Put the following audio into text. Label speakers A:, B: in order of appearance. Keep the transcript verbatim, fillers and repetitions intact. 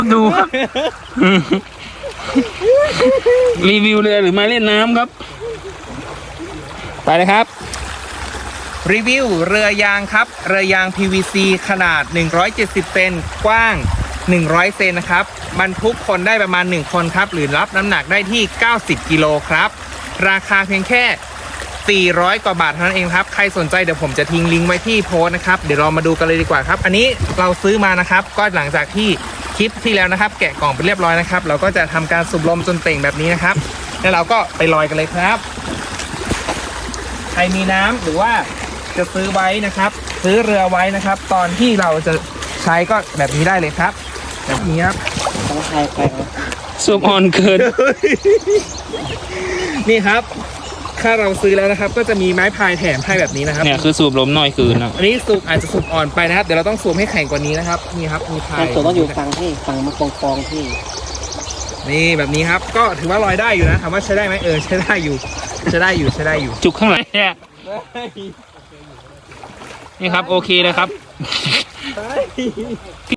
A: ดูครับ รีวิวเรือหรือมาเล่นน้ำครับ ไปเลยครับ
B: รีวิวเรือยางครับเรือยาง พี วี ซี ขนาดหนึ่งร้อยเจ็ดสิบเซนกว้างหนึ่งร้อยเซนนะครับบรรทุกคนได้ประมาณหนึ่งคนครับหรือรับน้ำหนักได้ที่เก้าสิบกิโลครับราคาเพียงแค่สี่ร้อยกว่าบาทเท่านั้นเองครับใครสนใจเดี๋ยวผมจะทิ้งลิงก์ไว้ที่โพสต์นะครับเดี๋ยวเรามาดูกันเลยดีกว่าครับอันนี้เราซื้อมานะครับก็หลังจากที่คลิปที่แล้วนะครับแกะกล่องไปเรียบร้อยนะครับเราก็จะทำการสูบลมจนเต่งแบบนี้นะครับแล้วเราก็ไปลอยกันเลยครับใครมีน้ำหรือว่าจะซื้อไว้นะครับซื้อเรือไว้นะครับตอนที่เราจะใช้ก็แบบนี้ได้เลยครับแบบนี้ครับ
C: ต้องใครไป
A: สูบอ่อนเกิน
B: นี่ครับถ้าเราซื้อแล้วนะครับก็จะมีไม้พายแถมให้แบบนี้นะครับ
A: เนี่ยคือสูบลมน้อยคืนนะ
B: อันนี้สูบอาจจะสูบอ่อนไปนะครับเดี๋ยวเราต้องสูบให้แข็งกว่านี้นะครับนี่ครับมีพา
C: แต่
B: ย
C: ตัวต้องอยู่ฝั่งที่ฝั่งมากองกองที่
B: นี่แบบนี้ครับก็ถือว่าลอยได้อยู่นะถามว่าใช้ได้ไหมเออใช้ได้อยู่ใช้ได้อยู่ใช้ได้อยู่
A: จุกข้างหลังเนี่ยนี่ครับโอเคเลยครับ